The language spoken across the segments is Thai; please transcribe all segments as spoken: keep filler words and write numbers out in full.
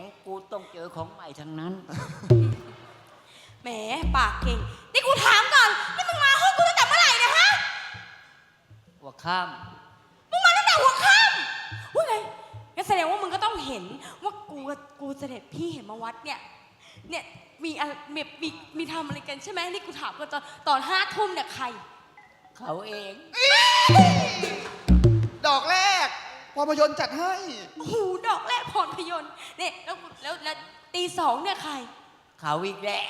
กูต้องเจอของใหม่ทั้งนั้นแหมปากเก่งนี่กูถามก่อนนี่มึงมาห้องกูตั้งแต่เมื่อไหร่นะฮะหัวข้ามมึงมาตั้งแต่หัวค่ำว่าไงงั้นแสดงว่ามึงก็ต้องเห็นว่ากูกับกูเสด็จพี่เห็นมาวัดเนี่ยเนี่ยมีอะไรมีมีมีทำอะไรกันใช่ไหมนี่กูถามกันตอนตอนห้าทุ่มเนี่ยใครเขาเองดอกแรกภาพยนตร์จัดให้โอ้โหดอกแรกพรพยนต์เนี่ยแล้วแล้วแล้วตีสองเนี่ยใครเขาอีกแล้ว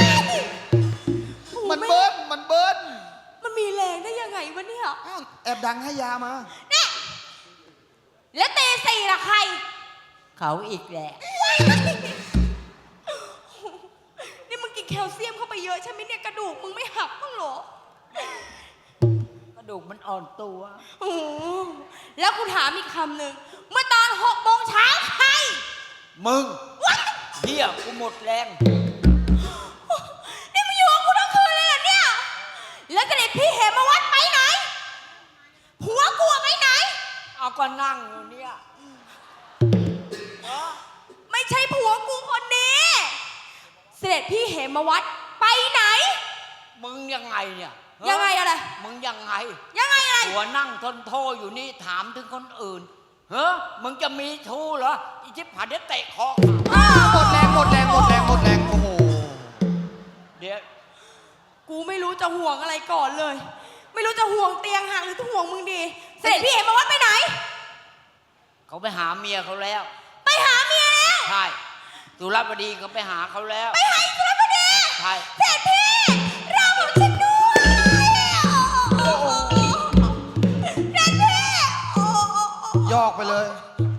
มันเบิ้ลมันเบิ้ลมันมีแรงได้ยังไงวะเนี่ยแอบดังให้ยามาเนี่ยแล้วตีสี่ล่ะใครเขาอีกแล้วนี่มึงกินแคลเซียมเข้าไปเยอะใช่ไหมเนี่ยกระดูกมึงไม่หักบ้างหรอกระดูกมันอ่อนตัวโอ้แล้วกูถามอีกคำหนึ่งเมื่อตอนหกโมงเช้าใครมึงเฮียกูหมดแรงนี่มึงอยู่กับกูทั้งคืนเลยเหรอเนี่ยแล้วเสด็จพี่เหมวัดไปไหนผัวกูไปไหนเอาก็นั่งอยู่เนี่ยไม่ใช่ผัวกูคนนี้เสด็จพี่เหมวัดไปไหนมึงยังไงเนี่ยยังไงอะไรมึงยังไงยังไงอะไรผัวนั่งทนโทอยู่นี่ถามถึงคนอื่นเฮ้อมึงจะมีชู้เหรออีชิบหายเดี๋ยวเตะคอหมดแรงหมดแรงหมดแรงหมดแรงโอ้โหเดี๋ยวกูไม่รู้จะห่วงอะไรก่อนเลยไม่รู้จะห่วงเตียงห่างหรือจะห่วงมึงดีเสด็จพี่เหมวัดไปไหนเขาไปหาเมียเขาแล้วไปหาเมียแล้วใช่สุรบดีเขาไปหาเขาแล้วไปหาสุรบดีใช่เสด็จพี่เราบอกฉันด้วยเสด็จพี่ยอกไปเลย